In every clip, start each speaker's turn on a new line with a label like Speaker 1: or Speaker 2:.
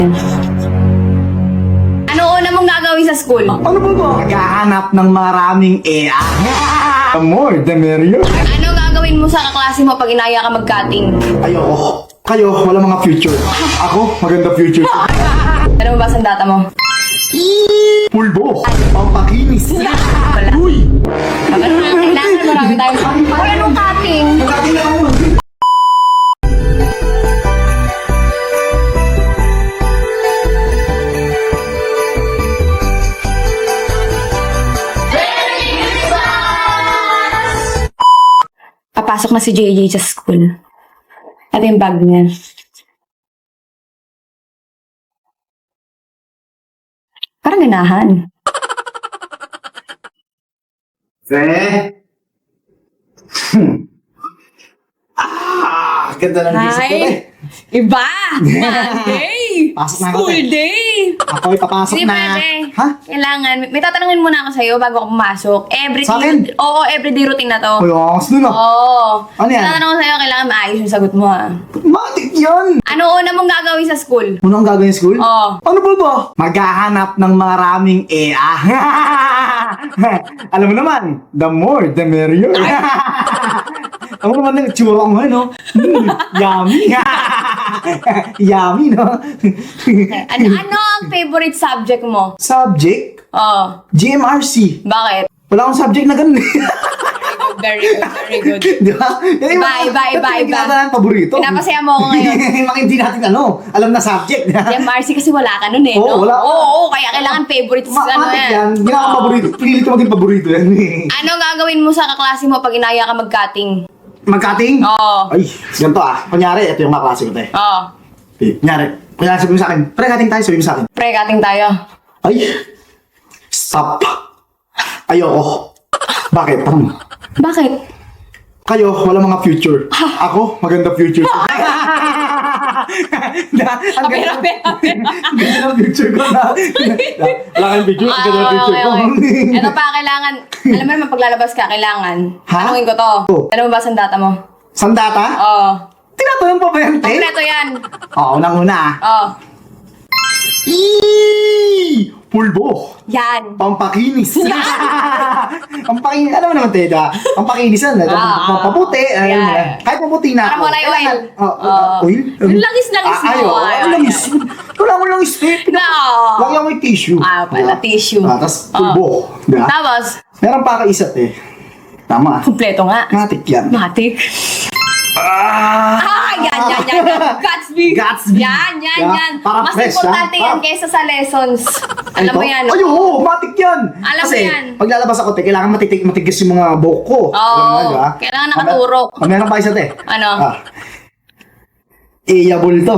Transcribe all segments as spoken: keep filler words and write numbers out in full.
Speaker 1: Ano una mong gagawin sa school?
Speaker 2: Ano ba ba? Maghahanap ng maraming E A. The more, the merrier.
Speaker 1: Ano gagawin mo sa kaklase mo pag inaya ka mag-cutting?
Speaker 2: Ayoko. Kayo, wala mga future. Ako, maganda future.
Speaker 1: Ano mo ba sa data mo?
Speaker 2: Pulbo. Pampakinis.
Speaker 1: Wala.
Speaker 2: Uy!
Speaker 1: Ano na, kailangan marami tayong... Uy, anong cutting?
Speaker 2: Magkating na ako.
Speaker 1: Papasok na si J J sa school. Ito yung bag niya. Parang ganahan.
Speaker 2: Fe? Hmm. Ah, ganda ng isip ko eh.
Speaker 1: Iba! Monday!
Speaker 2: Pasok na ako,
Speaker 1: School
Speaker 2: te.
Speaker 1: day!
Speaker 2: Ako'y papasok
Speaker 1: Hindi
Speaker 2: na.
Speaker 1: pwede.
Speaker 2: Ha?
Speaker 1: Kailangan. May tatanungin muna ako sa'yo bago ako pumasok. Everyday.
Speaker 2: Sa akin?
Speaker 1: Oo, everyday routine na to.
Speaker 2: Uy, angas dun ah.
Speaker 1: Oo.
Speaker 2: Ano yan?
Speaker 1: Tatanong ko sa'yo, kailangan maayos yung sagot mo ah.
Speaker 2: Matik yan.
Speaker 1: Ano una mong gagawin sa school?
Speaker 2: Ano ang gagawin sa school?
Speaker 1: Oo.
Speaker 2: Ano ba ba? Maghahanap ng maraming E A. Alam mo naman, the more, the merrier. Ako naman ng tsura ko ngayon, no? Mm, yummy. Yummy, no?
Speaker 1: Ano, ano ang favorite subject mo?
Speaker 2: Subject?
Speaker 1: Oo.
Speaker 2: G M R C.
Speaker 1: Bakit?
Speaker 2: Wala akong subject na ganun.
Speaker 1: Very good, very good.
Speaker 2: Di ba? Yan yung
Speaker 1: Iba,
Speaker 2: mga-
Speaker 1: iba, iba,
Speaker 2: yung
Speaker 1: iba.
Speaker 2: tinatawag ng paborito.
Speaker 1: Pinapasaya mo ako ngayon.
Speaker 2: Mga hindi natin ano, alam na subject.
Speaker 1: Yung Marcy kasi wala ka nun eh,
Speaker 2: Oo,
Speaker 1: no?
Speaker 2: wala.
Speaker 1: Oo, oo, kaya kailangan favorite
Speaker 2: Ma-
Speaker 1: ano
Speaker 2: matik
Speaker 1: yan.
Speaker 2: yan. Hindi ako
Speaker 1: Oo.
Speaker 2: paborito. Pinilit ko maging paborito yan. eh.
Speaker 1: Ano gagawin mo sa kaklase mo pag inaya ka mag-cutting?
Speaker 2: Mag-cutting?
Speaker 1: Oo.
Speaker 2: Ay, ganito ah. Kunyari, ito yung kaklase ko, te.
Speaker 1: Oo.
Speaker 2: Eh, Kunyari, kunyari sabi mo sa akin, pre, cutting tayo, sabi mo sa akin.
Speaker 1: Pre, cutting tayo.
Speaker 2: Ay, stop. Ayoko. Bakit? Tama.
Speaker 1: Bakit?
Speaker 2: Kayo, wala mga future. Ako, maganda future. na, ang
Speaker 1: Ape,
Speaker 2: ganda,
Speaker 1: ape, ape.
Speaker 2: ang ganda ng future ko na. Wala kang future, ang ganda ng
Speaker 1: Ah,
Speaker 2: future
Speaker 1: okay,
Speaker 2: ko.
Speaker 1: okay. Ito pa, kailangan, alam mo naman, paglalabas ka, kailangan.
Speaker 2: Ha?
Speaker 1: Tanungin ko to.
Speaker 2: Oh.
Speaker 1: Alam mo ba sa data mo?
Speaker 2: Sandata?
Speaker 1: Oo.
Speaker 2: Tinatanong pa ba yan, te?
Speaker 1: Kompleto yan.
Speaker 2: Oo, unang-una ah.
Speaker 1: Oo.
Speaker 2: Eee! Pulbo!
Speaker 1: Yan.
Speaker 2: Pampakinis! Pampakinis, alam mo naman, Teda. Pampakinis yan.
Speaker 1: Ah,
Speaker 2: Pampaputi.
Speaker 1: ah,
Speaker 2: ayun,
Speaker 1: yeah.
Speaker 2: ah. Kahit paputi na
Speaker 1: Parang
Speaker 2: ako.
Speaker 1: wala yung oil.
Speaker 2: kailangan- Oh,
Speaker 1: Oh.
Speaker 2: oil?
Speaker 1: Yung langis-langis
Speaker 2: Ah,
Speaker 1: mo.
Speaker 2: Ayaw,
Speaker 1: Ay,
Speaker 2: ay,
Speaker 1: ay,
Speaker 2: langis. Wala akong langis, eh.
Speaker 1: No.
Speaker 2: Lagyan mo yung tissue.
Speaker 1: Ah, pala, tissue.
Speaker 2: Ah, tapos pulbo. Diba?
Speaker 1: Tapos,
Speaker 2: Meron pa kaisat eh. Tama.
Speaker 1: kompleto nga.
Speaker 2: Matik yan.
Speaker 1: Matik.
Speaker 2: Ah!
Speaker 1: Ah, yan, yan, yan, yan. Gatsby.
Speaker 2: Gatsby.
Speaker 1: Yan, yan,
Speaker 2: Yeah,
Speaker 1: yan.
Speaker 2: parang
Speaker 1: Mas
Speaker 2: fresh,
Speaker 1: importante
Speaker 2: ah.
Speaker 1: yan kaysa sa lessons. Alam mo yan.
Speaker 2: Ay, oo, matik yan.
Speaker 1: Alam mo
Speaker 2: Kasi,
Speaker 1: yan.
Speaker 2: pag lalabas ako, te, kailangan matitig, matigas yung mga buhok ko.
Speaker 1: Oo,
Speaker 2: Alam mo na, diba?
Speaker 1: kailangan nakaturok.
Speaker 2: Ah, meron pa isa, te.
Speaker 1: Ano?
Speaker 2: Ah. Iyabol to.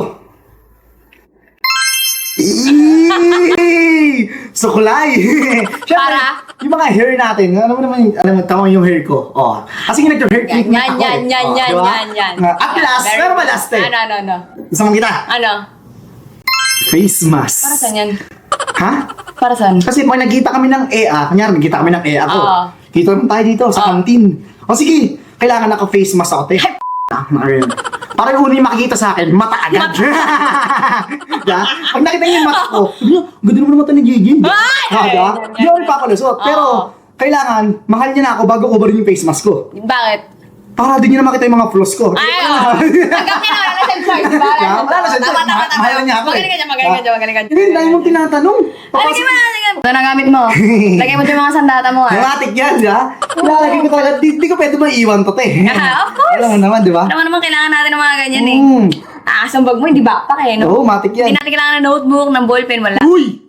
Speaker 2: Eee! Sukulay! Siyempre,
Speaker 1: Para?
Speaker 2: yung mga hair natin, alam mo naman, yung- alam mo, tama yung hair ko. Oh. Kasi nag-hair
Speaker 1: Yan,
Speaker 2: treatment
Speaker 1: yan,
Speaker 2: ako
Speaker 1: yan,
Speaker 2: eh.
Speaker 1: yan,
Speaker 2: Oh,
Speaker 1: yan,
Speaker 2: diba?
Speaker 1: yan, yan.
Speaker 2: At last,
Speaker 1: Very
Speaker 2: meron ba
Speaker 1: good.
Speaker 2: last eh?
Speaker 1: Ano, ano, ano?
Speaker 2: Gusto mo kita?
Speaker 1: Ano?
Speaker 2: Face mask.
Speaker 1: Para saan yan?
Speaker 2: Ha?
Speaker 1: Para saan?
Speaker 2: Kasi pag nagkita kami ng E A, kanyari nagkita kami ng E A ko.
Speaker 1: Oo.
Speaker 2: Kita naman tayo dito sa
Speaker 1: Oo.
Speaker 2: canteen. O sige, kailangan naka-face mask ako, te. Ah, Marian. Para yung una yung makikita sa akin, mata agad. yeah? Pag nakita niyo yung mata ko, sabi niyo, ganda naman ng mata ni Gigi.
Speaker 1: Ay!
Speaker 2: Ah, diba?
Speaker 1: Yan, yan,
Speaker 2: Hindi ako
Speaker 1: yan.
Speaker 2: ipapalusot.
Speaker 1: Oo.
Speaker 2: Pero, kailangan, mahal niya na ako bago ko rin yung face mask ko.
Speaker 1: Bakit?
Speaker 2: Para din niya na makita yung mga flaws ko.
Speaker 1: Ay, oh. Hanggang kaya wala na siyang choice, di ba?
Speaker 2: Yeah, wala na siyang
Speaker 1: Tama,
Speaker 2: choice.
Speaker 1: tama,
Speaker 2: Ma-
Speaker 1: tama.
Speaker 2: mahal niya ako eh.
Speaker 1: Magaling ka dyan, magaling ka dyan, magaling ka dyan.
Speaker 2: Hindi, dahil mong tinatanong.
Speaker 1: Ano
Speaker 2: Papasok-
Speaker 1: ba? Ito na gamit mo. Lagay mo dyan mga sandata mo, ah.
Speaker 2: Dramatic yan, di ba? Nilalagay ko talaga, di, di ko pwede maiwan to, te.
Speaker 1: Ah, of course.
Speaker 2: Alam mo naman, di ba?
Speaker 1: Alam mo naman, kailangan natin ng mga ganyan eh.
Speaker 2: Mm.
Speaker 1: Ah, sa bag mo, hindi backpack eh, no?
Speaker 2: Oo, matik yan.
Speaker 1: Hindi natin kailangan ng notebook, ng ballpen, wala.
Speaker 2: Uy!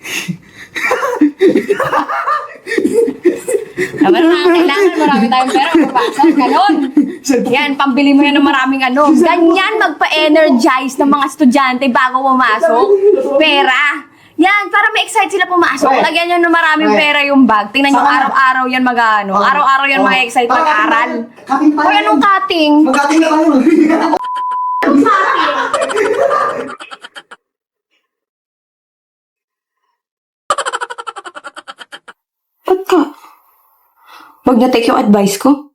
Speaker 1: Naman na, kailangan marami tayong pera, papasok, ganon. Yan, pambili mo yan ng maraming ano. Ganyan magpa-energize ng mga estudyante bago pumasok. Pera. Yan, para ma-excite sila pumasok.
Speaker 2: Pre.
Speaker 1: Lagyan nyo ng maraming
Speaker 2: Pre.
Speaker 1: pera yung bag. Tingnan nyo,
Speaker 2: Saka-
Speaker 1: araw-araw yan mag-ano.
Speaker 2: Oh.
Speaker 1: Araw-araw yan
Speaker 2: Oh.
Speaker 1: mag-excite
Speaker 2: Tara,
Speaker 1: mag-aral.
Speaker 2: cutting tayo.
Speaker 1: Hoy, anong cutting?
Speaker 2: Mag-cutting na tayo.
Speaker 1: Ba't ka? Wag na take yung advice ko.